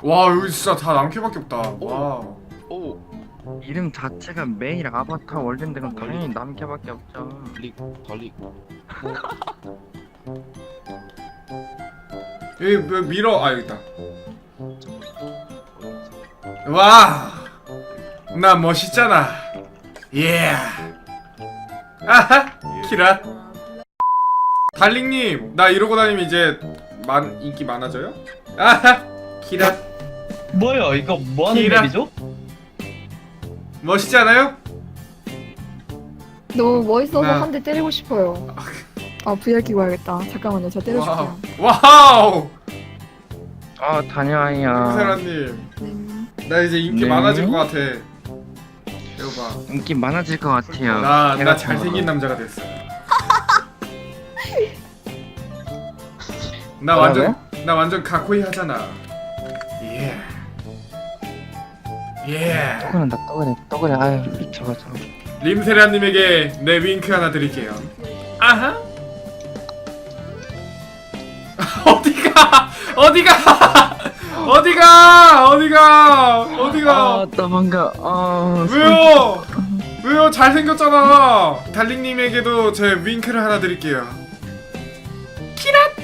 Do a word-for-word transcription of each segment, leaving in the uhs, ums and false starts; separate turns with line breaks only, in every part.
와 여기 진짜 다 남캐밖에 없다. 와.
오.
이름 자체가 메일 아바타 월드인데 그럼 당연히 남캐밖에 없죠.
달리 달리.
여기 뭐 밀어. 아 여기 있다. 와. 나 멋있잖아. 예. 아하. 키라. 달링님 나 이러고 다니면 이제 만 인기 많아져요? 아하. 키라.
뭐야 이거 뭐하는
키라.
맵이죠?
멋있지 않아요?
너무 멋있어서
나-
한 대 때리고 싶어요. 아 브이알 끼고 와야겠다. 잠깐만요. 저 때리고
와우.
싶어요.
와우.
아 다녀와요.
세라님
네.
나 이제 인기
네.
많아질 것 같아. 이거 봐.
인기 많아질 것 같아요.
나,
걔
나
같은
잘생긴
거가.
남자가 됐어. 나 완전 나 완전 가코이 하잖아. 예. 예.
떠그란다 떠그래 떠그래 아유 저거 저거.
림세라님에게 내 윙크 하나 드릴게요. 아하. 어디가? 어디가? 어디가? 어디가? 어디가?
아 도망가. 아
왜요? 왜요? 잘생겼잖아. 달링님에게도 제 윙크를 하나 드릴게요. 키랏!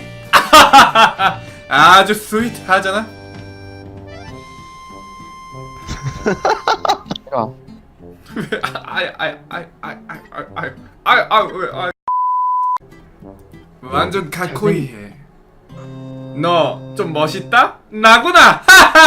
아주 스윗하잖아.
싫어.
왜? 아아아아아아아아아왜? 완전 가코이해. 너 좀 멋있다? 나구나.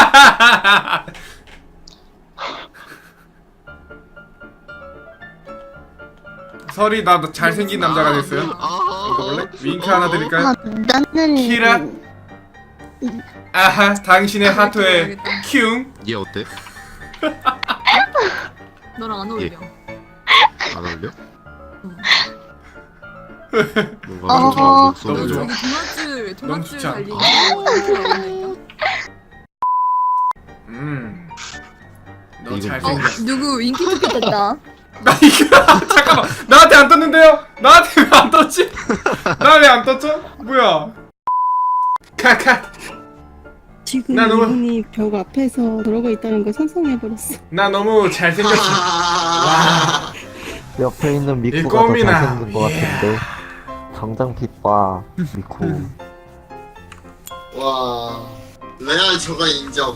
설이 나 잘생긴 남자가 됐어요. 이거 볼래? 윙크 하나 드릴까요?
아, 나는
키라. 아하, 당신의 하트에 큐.
얘 어때?
너랑 안 어울려.
안 어울려?
응.
뭔가
어.
좋아 목소리.
너무 좋아.
저기 도마줄
너무
도마줄
좋지 않아?
달리는 거 이렇게 어울린다.
음. 너
이거
어
잘생겼어.
누구 윙키 투피
됐다.
나 이거 잠깐만. 나한테 안 떴는데요? 나한테 왜 안 떴지? 나 왜 안 떴죠? 뭐야? 카카.
지금
나 너무-
이분이 벽 앞에서 들어가 있다는 걸 상상해버렸어.
나 너무 잘생겼어. 와.
옆에 있는
이
미쿠가 더
껌이나.
잘생긴 것 같은데 정장 핏과 미쿠
와 레알 저거 인정.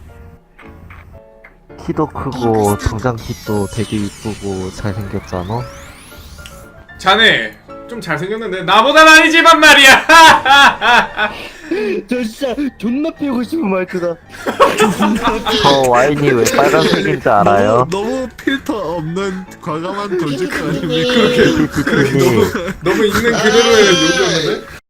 키도 크고 정장 핏도 되게 이쁘고 잘생겼잖아.
자네 좀 잘생겼는데 나보단 아니지만 말이야.
저 진짜 존나 피우고 싶은 말투다.
저 와인이 왜 빨간색인지 알아요?
너무, 너무 필터 없는 과감한 돌직구 아닙니까?
그렇게 그렇게
피피피님
너무 너무 있는 그대로의 욕이었는데.